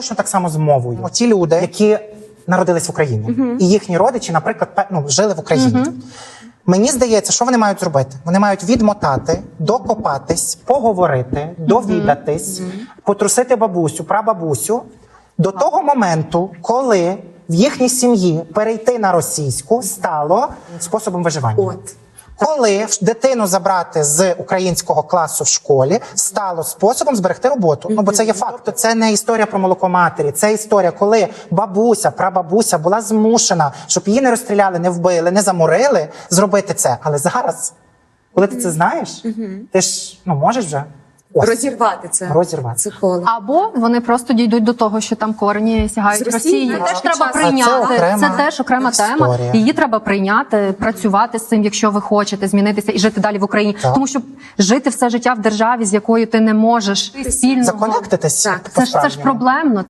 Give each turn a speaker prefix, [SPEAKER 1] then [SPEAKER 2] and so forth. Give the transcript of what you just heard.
[SPEAKER 1] Що так само з мовою. Ті люди, які народились в Україні, і їхні родичі, наприклад, жили в Україні. Мені здається, що вони мають зробити? Вони мають відмотати, докопатись, поговорити, довідатись, потрусити бабусю, прабабусю до того моменту, коли в їхній сім'ї перейти на російську стало способом виживання. Коли дитину забрати з українського класу в школі стало способом зберегти роботу. Бо це є факт. Це не історія про молоко матері. Це історія, коли бабуся, прабабуся була змушена, щоб її не розстріляли, не вбили, не заморили, зробити це. Але зараз, коли ти це знаєш, ти ж можеш вже
[SPEAKER 2] розірвати це коло.
[SPEAKER 3] Або вони просто дійдуть до того, що там корені сягають Росії. Теж треба прийняти. Це теж окрема тема. Її треба прийняти, працювати з цим, якщо ви хочете змінитися і жити далі в Україні. Тому що жити все життя в державі, з якою ти не можеш спільно
[SPEAKER 1] законектитись.
[SPEAKER 3] Це ж проблемно.